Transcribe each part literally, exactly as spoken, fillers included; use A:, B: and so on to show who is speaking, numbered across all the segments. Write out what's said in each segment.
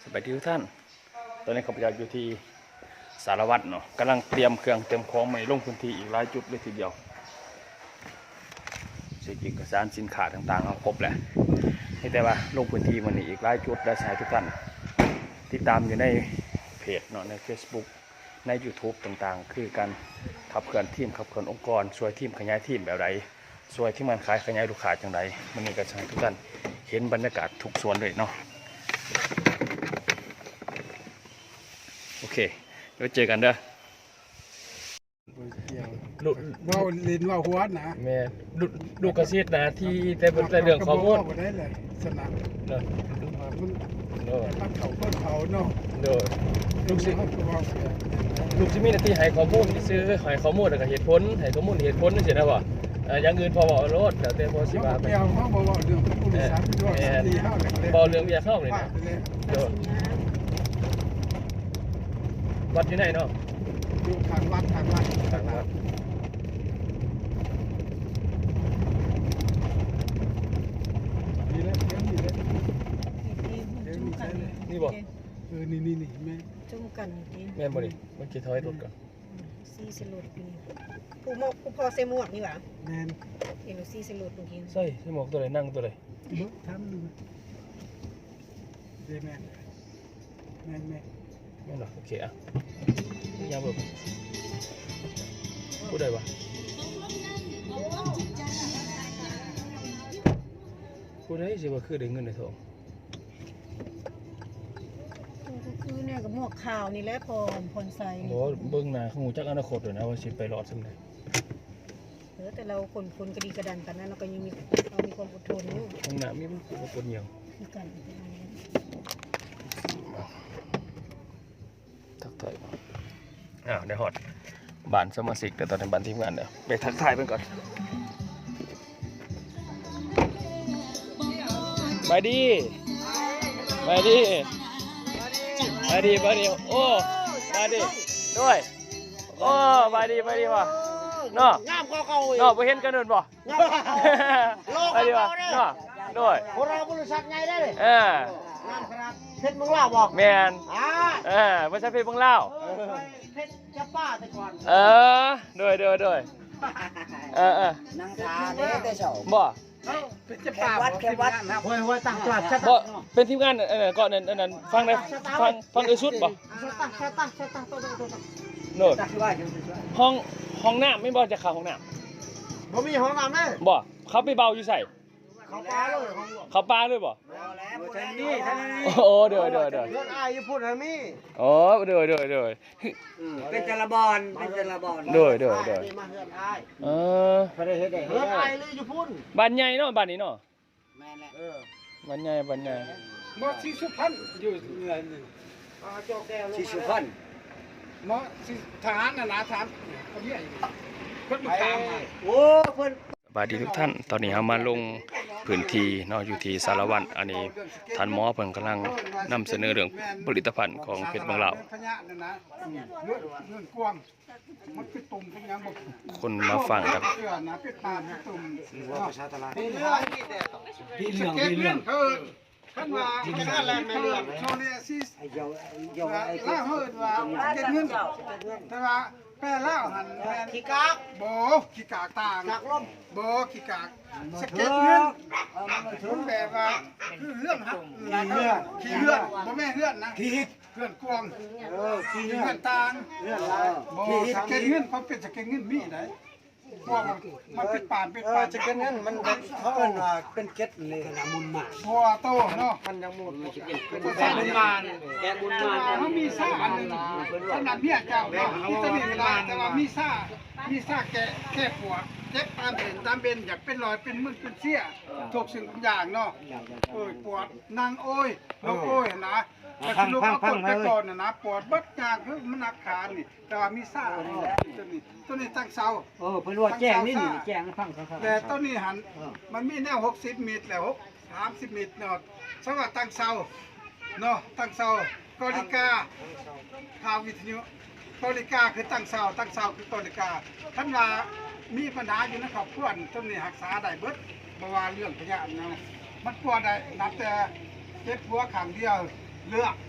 A: ไปที่ทุกท่านตอนนี้ข้าพเจ้าอยู่ที่สารวัตรเนาะกำลังเตรียมเครื่องเตรียมของใหม่ลงพื้นที่อีกหลายจุดเลยทีเดียวสิ่งเอกสารสินค้าต่างๆเอาครบแหละนี่แต่ว่าลงพื้นที่มันอีกหลายจุดได้สายทุกท่านติดตามอยู่ในเพจเนาะใน Facebook ใน YouTube ต่างๆคือการขับเคลื่อนทีมขับเคลื่อนองค์กรช่วยทีมขยายทีมแบบไรช่วยที่มันขายขยายลูกค้าจังไรมันนี่ก็ใช้ทุกท่านเห็นบรรยากาศทุกส่วนเลยเนาะโอเคเดี๋ยวเจอกันเด้อลูกว่าลินว่าหัวนะแม่ลูกลูกกระซิบนะที่แต่เป็นแต่เรื่องข้อมูลได้เลยสนามเนาะมันเนาะเขาก็เขาเนาะเนาะลูกซิลูกซิมีหน้าที่ให้ข้อมูลที่ซื้อให้ข้อมูลแล้วก็เหตุผลให้ข้อมูลเหตุผลนี่สินะว่าอย่างอื่นพอบอกรถแต่แต่พอสิว่าไปเอาเขาบอกเรื่องผู้โดยสารด้วยตีห้าเลยบอกเรื่องเบียร์เข้าเลยนะเนาะวัดอยู่ไหนเนาะอยู่ทางวัดทางวัดทางวัดนี่แหละนี่แหละนี่บอกเออนี่นี่นี่แม่จุ่มกันแม่บริมันกี่ถอยรถกันซีเซลูดปีผู้หมกผู้พอเซมวกนี่หว่าแม่เห็นซีเซลูดเมื่อกี้ใช่เซมวกตัวไหนนั่งตัวไหนเบิ้งทำดูแม่แม่แม่แม่แม่หรอโอเคอ่ะยามแบบพูดได้ปะพูดได้สิว่าคือได้เงินในทอง
B: ก็คือเนี่ยกับหมวกขาวนี่แหละพอพรใส่
A: โอ้เบิ้งหน้าของหูจักอนาคตเลยนะว่าสิไปรอดสำเร็จ
B: เออแต่เราคนคนกระดีกระดันกันนะเราก็ยังมีเรามีความอดทนอยู่
A: ของหน้ามีมันคือคนเหี่ยว
B: คือกัน
A: ทักทายอ้าวได้ฮอดบ้านสมาชิกแต่ตอนนี้บ้านทีมงานเดี๋ยวไปทักทายเพิ่นก่อนไปดีไปดีไปดีไปดีโอ้ไปดีด้วยโอ้ไปดีไปดีว่ะเนาะงามเก่าๆเนาะไปเห็นกันเดินบ่ไปดีว่ะเนาะด้วย
C: พวกเราบริษัทไงได้เลย
A: เออ
C: เพชรเมืองลาวบอก
A: แมนเออไม่ใช่เพชรเมืองลาว
C: เพชรจะป้าแต่ก่อน
A: เออด้วยด้วยด้วยเออเออ
C: นั่งทาเนี่ยแต่เช้า
A: บ่
C: จะป้าวัดแค่วัดห้วยห้วยตั้งตลาด
A: บ่เป็นทีมงานเออก่อนนั้นนั้นฟังได้ฟังฟังเอสุดบ่
C: ตั้งตั้งตั้งตัวตัวตัว
A: โน่ห้องห้องน้ำไม่บ่จะเข้าห้องน้
C: ำบ่มีห้องน้ำเลย
A: บ่เขาไปเบาอยู่ใส่
C: เขาปลาเลย
A: เขาปลาเลยบ่
C: นี่
A: โอ้เดี๋ยวเดี๋ยวเดี๋ยว
C: เรื่องอายพูดนะมี่
A: โอ้เดี๋ยวเดี๋ยวเดี๋ยว
C: เป็นจระบอนเป็นจระบอน
A: เดี๋ยวเดี๋ยวเดี๋ยว
C: มาเฮือนอาย
A: เออ
C: ไม่ได้เฮ็ดได้เฮือนอายเลยอยู่พุ่น
A: บ้านใหญ่เนาะบ้านนี้เนาะ
C: แม่นแหละเออ
A: บ้านใหญ่บ้านใหญ่
D: มอที่สุพรรณอยู่เหนือนี่
C: อ่าโจกแก้วที่สุพรรณ
D: มอที่ทหารน่ะนะทหารเขาเนี่ยเพิ่นมาตามมา
C: โอ้เพิ่น
A: สวัสดีทุกท่านตอนนี้เรามาลงพื้นที่เนาะอยู่ที่สารวัตรอันนี้ท่านหมอเพิ่นกำลังนำเสนอเรื่องผลิตภัณฑ์ของเพชรบางลาวคนมาฟังครับ
D: พี่เหลืองพี่เหลืองท่านว่าเป็นอะไรไม่เรื่องโซเลียซิสล่าเฮิร์ดว่าเก็บเงินแต่ว่าแปลล่าหัน
C: ขี้กาก
D: โบขี้กากต่าง
C: กากล้ม
D: โบขี้กากสเก็ตเงินมันแบบว่าคือเรื่องฮะขี้เลือดโบแม่เลือดนะขี้เลือดกวงขี้เลือดต่างโบสเก็ตเงินเขาเป็นสเก็ตเงินมีไหนพวกมันเป็นป่านเป็นป่าน
C: สเก็ตเงินมันเขาเป็นว่าเป็นเก็ตเลยนะมุนมา
D: บัวโตเนาะ
C: มันยังมุน
D: เป็นแกมุนมาแกมุนมาเขามีซ่าอันนึงขนาดเมียเจ้ามีตะลิงลายแต่ว่ามีซ่ามีซ่าแก่แก่ปวดเจ็บตามเห็นตามเบนอยากเป็นรอยเป็นมึนเป็นเสี้ยทุกสิ่งทุกอย่างเนาะโอ้ยปวดนางโอ้ยลูกโอ้ยนะแต่คือลูกเอาปวดไปก่อนนะนะปวดบัดยางคือมันนักขานี่แต่ว่ามีซ่าตัวนี้ตัวนี้ตั้งเสา
C: เออเป็นว่าแจ้งนี่นี่แจ้งฟังครับ
D: แต่ตัวนี้หันมันมีแนวหกสิบเมตรแล้วหกสามสิบเมตรเนาะสำหรับตั้งเสาเนาะตั้งเสากอลิกาข่าววิทยุกอลิกาคือตั้งเสาตั้งเสาคือกอลิกาท่านว่ามีปัญหาอยู่นะครับเพื่อนต้นนี้รักษาได้เบิดบ่ว่าเรื่องพยาธินะมันปวดได้นับแต่เจ็บหัวขังเดียวเลือก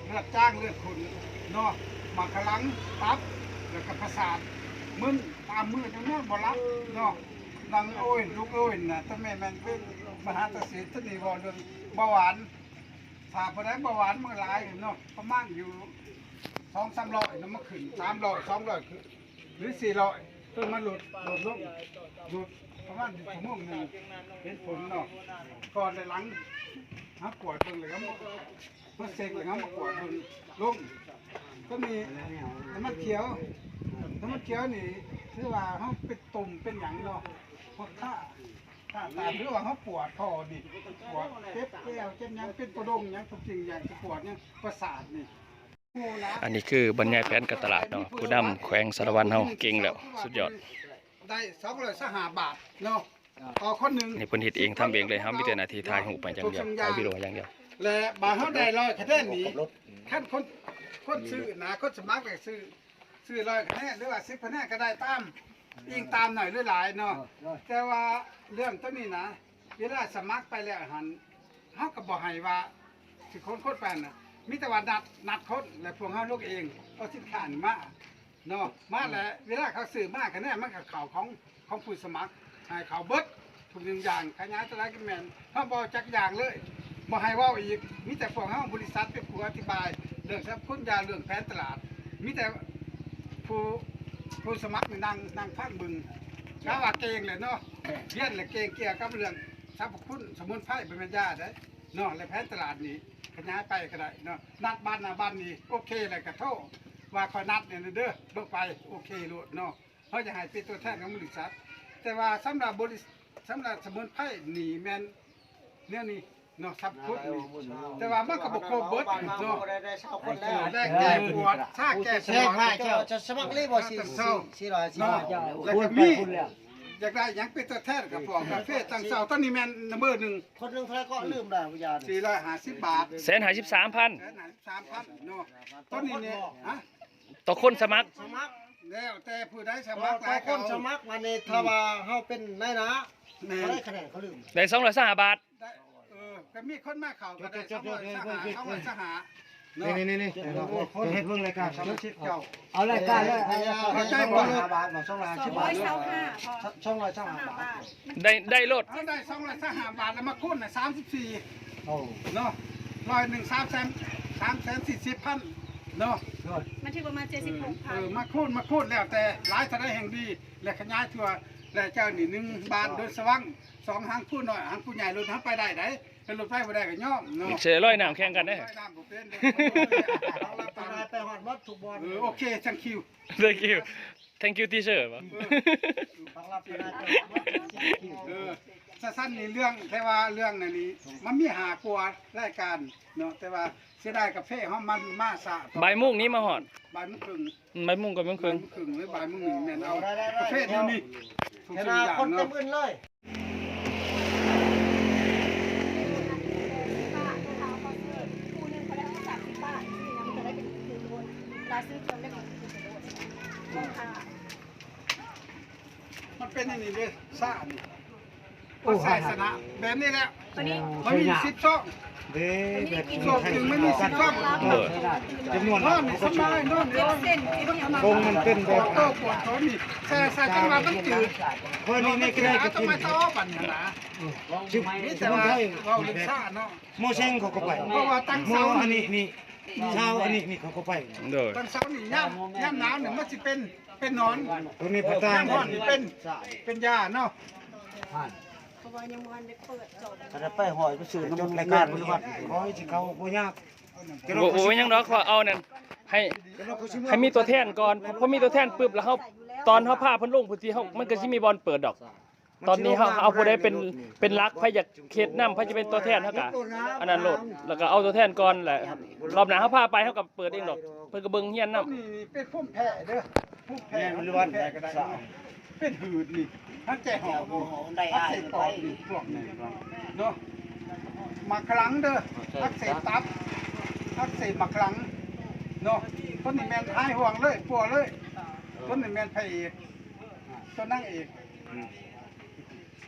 D: เลือดจ้างเลือดขุ่นเนาะมาขลังตับแล้วก็ประสาทมึนตามมือจังนั้นบ่รับเนาะดังโอ้ยลูกโอ้ยน่ะถ้าแม่แม่นเป็นมหาตศิษย์นี่บ่เรื่องเบาหวานถ้าบ่ได้เบาหวานมันหลายเนาะประมาณอยู่สองสามร้อยนำมาขึ้นสามร้อยสองร้อยขึ้นหรือสี่ร้อยต้นมันหลุดหลุดลงหลุดประมาณชั่วโมงนึงเห็นผลเนาะก่อนและหลังหาปวดเบิ่งเลยครับเมื่อเซ็กเลยครับมาปวดเบิ่งลงก็มีน้ำมันเขียวน้ำมันเขียวนี่คือว่าเขาเป็นตุ่มเป็นหยังเนาะพวกข้าข้าตามหรือว่าเขาปวดคอนี่ปวดเจ็บแก้วเจ็บหยังเป็นประดงหยังทุกสิ่งอย่างจะปวดเนี่ยประสาทนี่
A: อันนี้คือบรรยายแผนการตลาดเนาะผู้นำแขวงสารวัตรเฮาเก่งแล้วสุดยอด
D: ได้สองร้อยสหบาทเนาะต่อคนหนึ่ง
A: นี่เพิ่นเฮ็ดเองทำเองเลยเฮามีแต่หน้าที่ถ่ายรูปไปอย่างเดียวถ่ายวิดีโออย่างเดียว
D: และบาทเขาได้ร้อยคะแนนนี้ขั้นคนคนซื้อนะคนสมัครไปซื้อซื้อร้อยคะแนนหรือว่าสิบคะแนนก็ได้ตามยิงตามหน่อยหรือหลายเนาะแต่ว่าเรื่องตัวนี้นะเวลาสมัครไปแล้วหันเขาก็บอกให้ว่าสิคนโคตรแปลนนะมีแต่ว่านัดนัดคนและพวกเขาลูกเองเอาสินค้านี่มาเนาะมาแล้วเวลาเขาซื้อมาคะแนนมันกับเขาของของผู้สมัครให้เขาเบิดทุกอย่างขยายตัวไรกันแมนเขาบอกจักอย่างเลยบ่ให้ว่าอีกมีแต่พวกเขาบริษัทเป็นผู้อธิบายเรื่องทรัพย์คุณยาเรื่องแผนตลาดมีแต่ผู้ผู้สมัครนั่งนั่งฟังบึงกาว่าเก่งเลยเนาะเรียนเลยเก่งเกี่ยวกับเรื่องทรัพย์คุณสมุนไพรเป็นแม่ยาได้เนาะและแผนตลาดนี้ขยายไปก็ได้เนาะนัดบ้านนาบ้านนี้โอเคเลยกระโทษว่าคอยนัดเนี่ยเด้อเบิกไปโอเคโลดเนาะเขาจะให้เป็นตัวแทนของบริษัทแต่ว่าสำหรับบริษัทสำหรับสมุนไพรนี่แมนเนี่ยนี่เนาะทรัพย์คุณนี่แต่ว่ามันก็บอกโคเบิร์ดเนาะได้แก้ปวดชาแก้ปวด
C: จะสมัครเลยบ่สิสี่ร้อยสี่ร้อย
D: แล้วก็มีอยากได้ยังเป็นตัวแทนกับพวกกาแฟตั้งเสาต้นนี้แมนนัมเบอร์หนึ่ง
C: คนหนึงเท่าไหร่ก็ลืมแล้ววิญญาณ
D: สี่ร้อยห้าสิบบาท
A: แสนห้าสิบสามพัน
D: แสนห้าสิบสามพันเนาะต้นนี้เนี่ยฮะ
A: ต่อคนสมัคร
C: สมัคร
D: แล้วแต่ผู้ใดส
C: ส
D: มั
C: มั
D: ค
C: ค
D: ร
C: ร
D: หลาย
C: ค
D: เขา
C: นสมัครมาในถ้าว่าเฮาเป็นนายนะเขาได้คะแนนเขาลืม
A: ได้สองร้อยสามบาท
D: ได้เออก็มีคนมาเขาก็ได้สองร้อยสหาสองร้อยสหา
C: นี่นี่นี่คนเฮ็ดเบิ่งรายการ
D: สมาชิกเก่า
C: เอารายการเลยเขาใจบ่บาทบ่สองร้อย
B: สอ
C: สิ
B: ง
C: บ
B: ร้
C: บา
B: อ
C: ท
B: ยเศร้าห้าพอ
C: สองร้อยสอง
B: ห้า
C: บา
B: บา
C: ท
B: ท
A: ได้ได้รถ
D: เขาได้สองร้อยสหาบาทแล้วมาคูณน่ะสามสิบสี่
C: โอ้
D: เนาะร้อยหนึ่งสามแสนสามแสนสี่สิบพันเนาะ
B: มันที่ประมาณเจ็ดสิบหก
D: เอ
B: พัน
D: อมาคูณมาคูณแล้วแต่หลายทะเลแห่งดีและขยายทั่วและเจ้านี่หนึ่งบาทโดยสว่างสองหางผู้น้อยหางผู้ใหญ่รถทับไปได้ไหนเป็นรถไฟบ่ได้ก็ย่อมเนาะ
A: เสียร้อยน้ำแข่งกันได้
D: ร้อยน้ำบ่เป็นเด้อ
C: เราไปไปฮอดบ่ทุกบ่อน
D: เออโอเคจังคิว
A: thank you thank you teacher ป่ะ
C: ฟังรับไปได้
D: เออสั้นๆนี่เรื่องแต่ว่าเรื่องนั่นนี่มันมีหากลัวรายการเนาะแต่ว่าเสียดายกาแฟเฮามันมาซะ
A: บ่ายโมงนี้มาหอด
D: บ่ายโมงครึ่ง
A: บ่ายโมงกับโมงครึ่ง
D: บ่ายโมงครึ่งหรือบ่ายโมงหนึ่งแม่นเอากาแฟเดี๋ยวนี้ทุก
C: เห็น
D: สิ่งอย่าง
C: คนเต็
D: เนาะ
C: มอื่นเลย
B: คู่นึงเขาได้เอาสามสิบบาทนี่นะมันจะได้เป็นคืนโดนเราซื้อจนได้เป็นคืนโดนราคา
D: มันเป็นอย่างนี้เลยซ่านี่มันใส่สนะแบบนี้แหละ
B: ตัวนี้
D: มันมีสิบช่อง
C: เด้แบบ
D: ช่องหนึ่งไม่มีสิบช่อง
C: จำนวน
D: นอนนี่สบายนอน
B: เจ็
D: เดียว
B: ดเส้นที่มัน
C: คงมันเป็น
D: ป
C: แบ
D: ว
C: บ
D: ดโตปวดท้องนี่ใส่ใส่จังหวะมันจืด
C: เพิ่นนี่นี่ก็ได้
D: ก็
C: ก็
D: ต้อง
C: กิน
D: มาต่อปัญหา
C: ชิบ
D: นี่
C: ส
D: แต่
C: มุน
D: ว่า
C: ไพร
D: เราเรื่องซ่าเนาะ
C: โมเชงเขาก็ไป
D: เพราะว่าตั้ง
C: โม
D: เสา
C: อัน
D: นี่
C: นี้นี่เช้าอันนี้นี่เขาก็ไป
A: โดย
D: ตั้งเสานี่ย่ำย่ำหนาวเนี่ยมันจะเป็นเป็นนอน
C: ตัวนี้พระตา
D: ย่ำร้อนนี่เป็นเป็นยาเนาะ
B: เพราะว่ายังวันได้เปิดจบ
C: ถ้าไปหอยไปสื่อจนรายการปฏิบัติขอให้สิเขาบ่ยาก
A: โอ้โหยังดอกเขาเอานั่นให้ให้มีตัวแทนก่อนพอมีตัวแทนปุ๊บแล้วเขาตอนเขาพาเพิ่นลงพื้นที่เขามันก็สิมีบอลเปิดดอก ตอนนี้เขาเอาผู้ใดเป็นเป็นรักไผอยากเขตนำไผจะเป็นตัวแทนเฮากะอันนั้นโหลดแล้วก็เอาตัวแทนก่อนแหละรอบหน้าเขาพาไปเขาก็เปิดเองดอกเพิ่นก็เบิ่งเฮียนนำ
D: นี่เป็นพุ่มแพ้เด้อพุ่มแพ้มันล้วนแพ้ก็ได้เป็นหืดนี่ทั้งใจหอบได้ได้ปอดนี่พวกนี้เนาะมาครั้งเด้อทักเสพตับทักเสพมาครั้งเนาะต้นนี่แมนท้ายห่วงเลยปัวเลยต้นนี่แมนพระเอกต้นนั่งเอก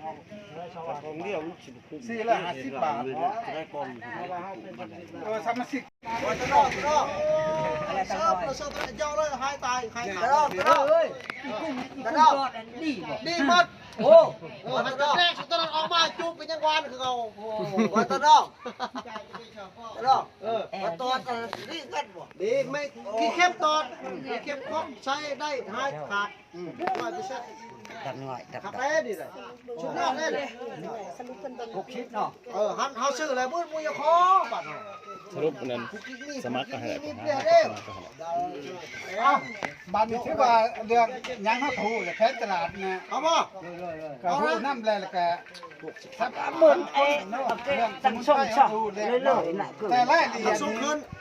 C: ของเดียวมันสิบคุ้ม
D: สี่ร้อยห้าสิบบาท
C: ได้กอง
D: เออสามสิบ
C: ว่าจะรอดรอดอะไรกันหน่อยเสิร์ฟเจ้าเลยหายตายหายตายรอดรอดเอ้ยรอดดีดีหมดโอ้โหมันแรกสุดตอนออกมาจุบเป็นยังวันคือเอาโอ้ว่าตอนออกรอดเออว่าตอนนี่กันบ่ดีไม่กี่เข้มตอนกี่เข้มครบใช้ได้หายขาดไม่ไปใช่ดังหน่อยดังได้ดิเลยชุดยอดเลย
B: สรุปเพิ่นเบิ่ง
C: หกชิปเนาะเออหันเฮาซื้ออะไรบุ้ยบุ้ยคอบัด
A: สรุปนั้นสมัครก็ให้
C: มี
A: ได้
C: เปลี่ยนเด้อ
D: เอ้าบ้านนี้ถือว่าเรื่องยังเขาถูกแพ้ตลาดนะ
C: เอาบ่
D: ก็ถูกน้ำแล้วก็ถ้า
E: หมุนไอ้ตั้งช่องช่องเรื่อยๆน่ะคือ
D: แต่รายละเอียด
C: สูง
D: นี้
C: ขึ้น